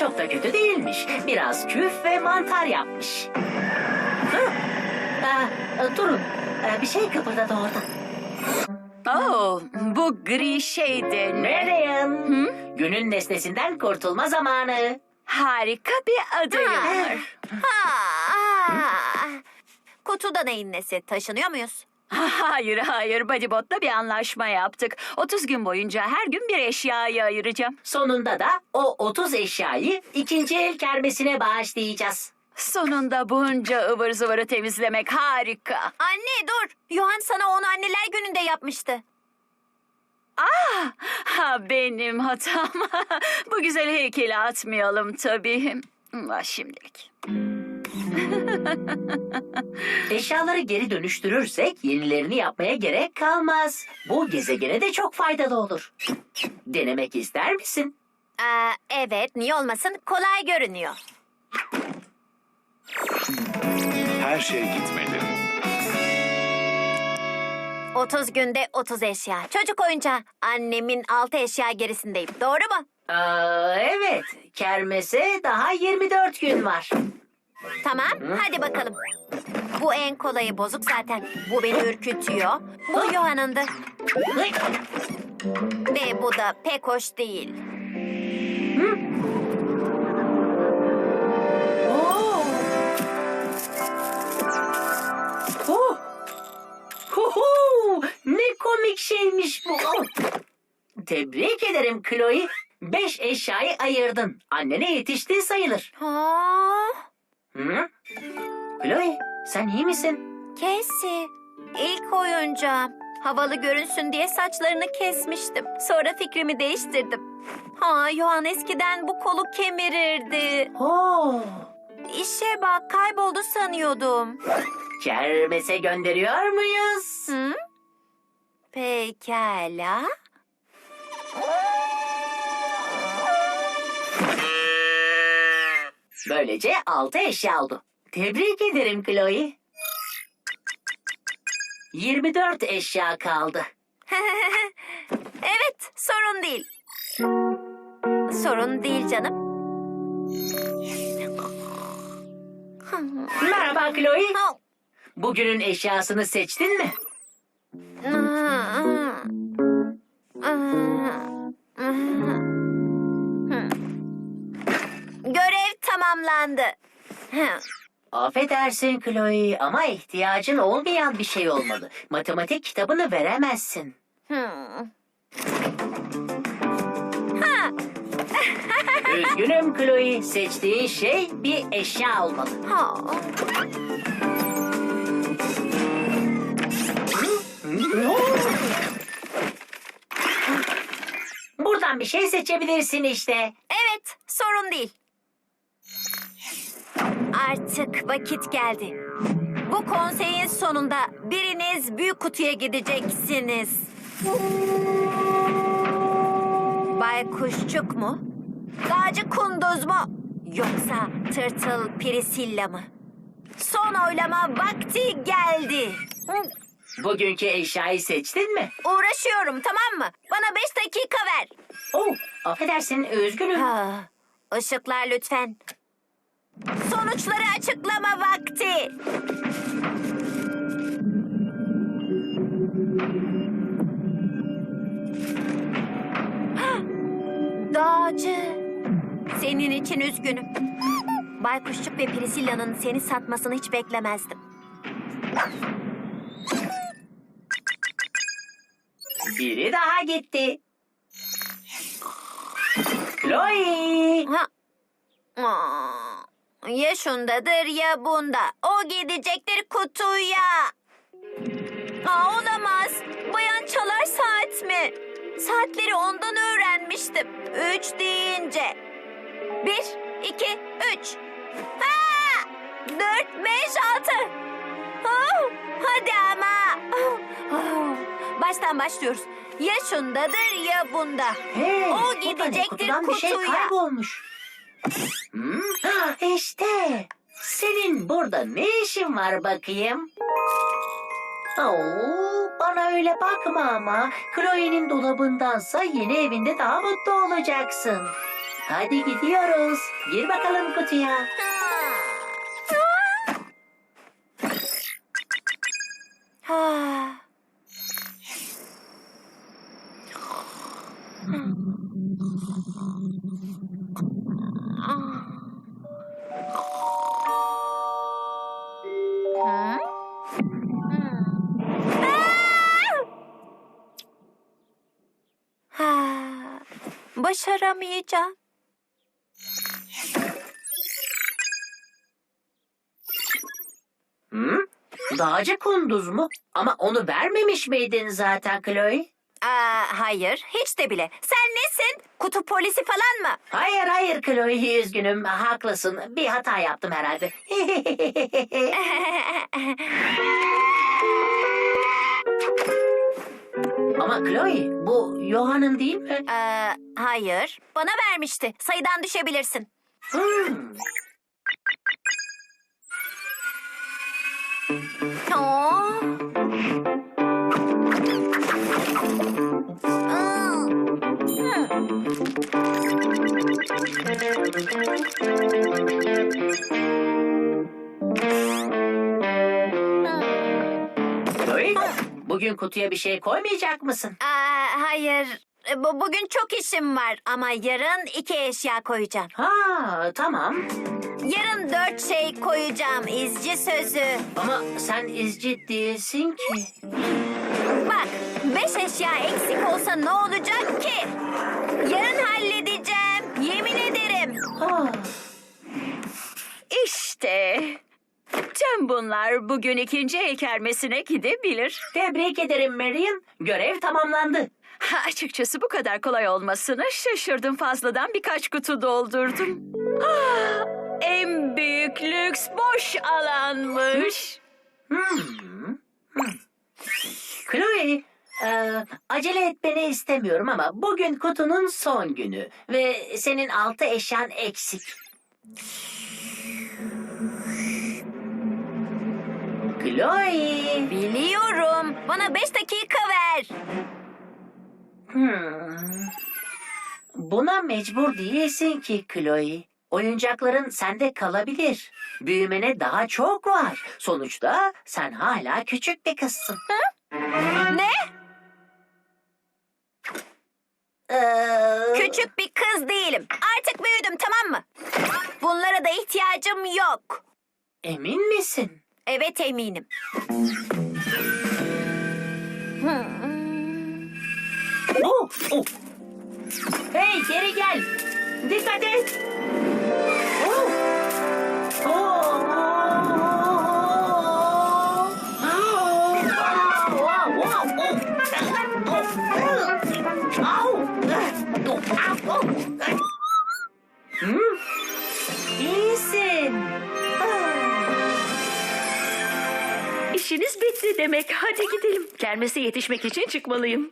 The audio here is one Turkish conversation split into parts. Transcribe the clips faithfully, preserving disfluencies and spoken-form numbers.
çok da kötü değilmiş. Biraz küf ve mantar yapmış. Hı? Aa, durun. Aa, bir şey kıpırdadı orada. Oh, bu gri şey de ne? Marian. Hı? Günün nesnesinden kurtulma zamanı. Harika bir adayım var. Ha, kutuda neyin nesi? Taşınıyor muyuz? Hayır hayır, Bodybot'la bir anlaşma yaptık. otuz gün boyunca her gün bir eşyayı ayıracağım. Sonunda da o otuz eşyayı ikinci el kermesine bağışlayacağız. Sonunda bunca ıvır zıvırı temizlemek harika. Anne dur. Yohan sana onu anneler gününde yapmıştı. Ah, ha, benim hatam. Bu güzel heykeli atmayalım tabii. Ah, şimdilik. Eşyaları geri dönüştürürsek yenilerini yapmaya gerek kalmaz. Bu gezegene de çok faydalı olur. Denemek ister misin? Aa, evet, niye olmasın? Kolay görünüyor. Her şey gitmeli. otuz günde otuz eşya. Çocuk oyuncağı. Annemin altı eşya gerisindeyim. Doğru mu? Aa, evet, kermese daha yirmi dört gün var. Tamam, hadi bakalım. Bu en kolayı, bozuk zaten. Bu beni ürkütüyor. Bu Yohan'ındı. Hıy! Ve bu da pek hoş değil. Oo! Oh! Huhu! Ne komik şeymiş bu. Oh! Tebrik ederim Chloe. Beş eşyayı ayırdın. Annene yetişti sayılır. Ha, Hı? Chloe, sen iyi misin? Casey, ilk oyuncağım. Havalı görünsün diye saçlarını kesmiştim. Sonra fikrimi değiştirdim. Ha, Yohan eskiden bu kolu kemirirdi. Oo! İşe bak, kayboldu sanıyordum. Kermese gönderiyor muyuz? Hı? Pekala. Böylece altı eşya oldu. Tebrik ederim Chloe. yirmi dört eşya kaldı. Evet, sorun değil. Sorun değil canım. Merhaba Chloe. Ha. Bugünün eşyasını seçtin mi? Görev tamamlandı. Affedersin Chloe ama ihtiyacın olmayan bir şey olmalı. Matematik kitabını veremezsin. Üzgünüm Chloe. Seçtiğin şey bir eşya olmalı. Ha. Buradan bir şey seçebilirsin işte. Evet, sorun değil. Artık vakit geldi. Bu konseyin sonunda biriniz büyük kutuya gideceksiniz. Bay Kuşçuk mu? Dağcı Kunduz mu? Yoksa Tırtıl Priscilla mı? Son oylama vakti geldi. Hı, Bugünkü eşyayı seçtin mi? uğraşıyorum, tamam mı? Bana beş dakika ver. Oh, affedersin üzgünüm. Ha, ışıklar lütfen. Sonuçları açıklama vakti. Hah, Dağcı. Senin için üzgünüm. Baykuşçuk ve Priscilla'nın seni satmasını hiç beklemezdim. Biri daha gitti. Chloe. Ha. Aa, ya şundadır ya bunda. O gidecektir kutuya. Aa, olamaz. Bayan çalar saat mi? Saatleri ondan öğrenmiştim. Üç deyince. Bir, iki, üç. Ha! Dört, beş, altı. Oh, hadi ama. Oh, oh. Baştan başlıyoruz. Ya şundadır ya bunda. Hey, O bu da ne? gidecektir Kutudan bir şey kutuya. kaybolmuş. Hmm, ha, işte. Senin burada ne işin var bakayım? Oo, bana öyle bakma ama. Chloe'nin dolabındansa yeni evinde daha mutlu olacaksın. Hadi gidiyoruz. Gir bakalım kutuya. Ha. Hı? Ha, başaramayacağım. Hı? Dağcı kunduz mu? Ama onu vermemiş miydin zaten Chloe? Aa, hayır, hiç de bile. Sen nesin? Kutu polisi falan mı? Hayır hayır Chloe, üzgünüm. Haklısın. Bir hata yaptım herhalde. Ama Chloe, bu Johann'ın değil mi? Ee, hayır, bana vermişti. Sayıdan düşebilirsin. Hmm. Oo. Aa. Hmm. Chloe, bugün kutuya bir şey koymayacak mısın? Aa, hayır, bu, bugün çok işim var ama yarın iki eşya koyacağım. Ha, tamam. Yarın dört şey koyacağım, izci sözü. Ama sen izci değilsin ki. Bak, beş eşya eksik olsa ne olacak ki? Yarın halledeceğim, yemin ederim. Ha. İşte. Tüm bunlar bugün ikinci el kermesine gidebilir. Tebrik ederim Marion. Görev tamamlandı. Ha, açıkçası bu kadar kolay olmasına şaşırdım. Fazladan birkaç kutu doldurdum. Ah, en büyük lüks boş alanmış. Hmm. Hmm. Chloe, e, acele etmeni istemiyorum ama bugün kutunun son günü ve senin altı eşyan eksik. Chloe. Biliyorum, bana beş dakika ver. Hmm. Buna mecbur değilsin ki Chloe. Oyuncakların sende kalabilir. Büyümene daha çok var. Sonuçta sen hala küçük bir kızsın. Ne? Ee, Küçük bir kız değilim. Artık büyüdüm, tamam mı? Bunlara da ihtiyacım yok. Emin misin? Evet, eminim. Hmm. Oh, oh. Hey, geri gel. Dikkat et. Oh. Oh. Oh. Oh. Oh. Oh. Oh. Hmm. İyisin. İşiniz bitti demek. Hadi gidelim. Kermese yetişmek için çıkmalıyım.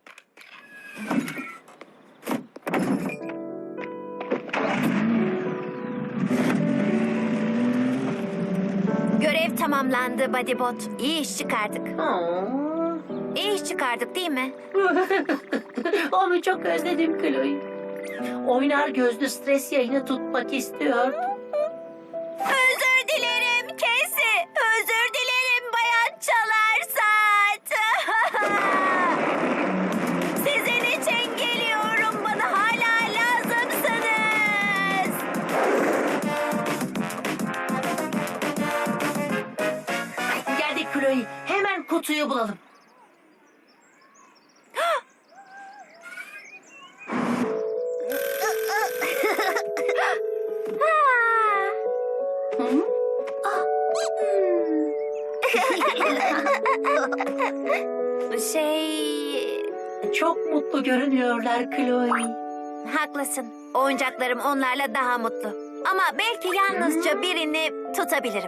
Görev tamamlandı Bodybot. İyi iş çıkardık. Oh. İyi iş çıkardık değil mi? Onu çok özledim Chloe. Oynar gözlü stres yayını tutmak istiyordum. Özür dilerim Casey. Özür dilerim Bayan Çalarsat. Sizin için geliyorum. Bana hala lazımsınız. Geldik Chloe. Hemen kutuyu bulalım. Şey... Çok mutlu görünüyorlar Chloe. Haklısın. Oyuncaklarım onlarla daha mutlu. Ama belki yalnızca birini tutabilirim.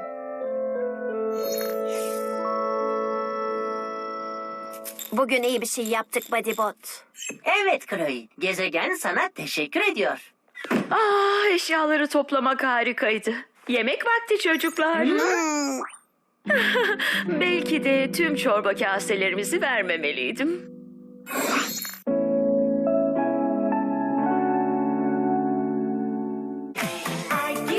Bugün iyi bir şey yaptık Bodybot. Evet Chloe. Gezegen sana teşekkür ediyor. Ah, eşyaları toplamak harikaydı. Yemek vakti çocuklar. Belki de tüm çorba kaselerimizi vermemeliydim.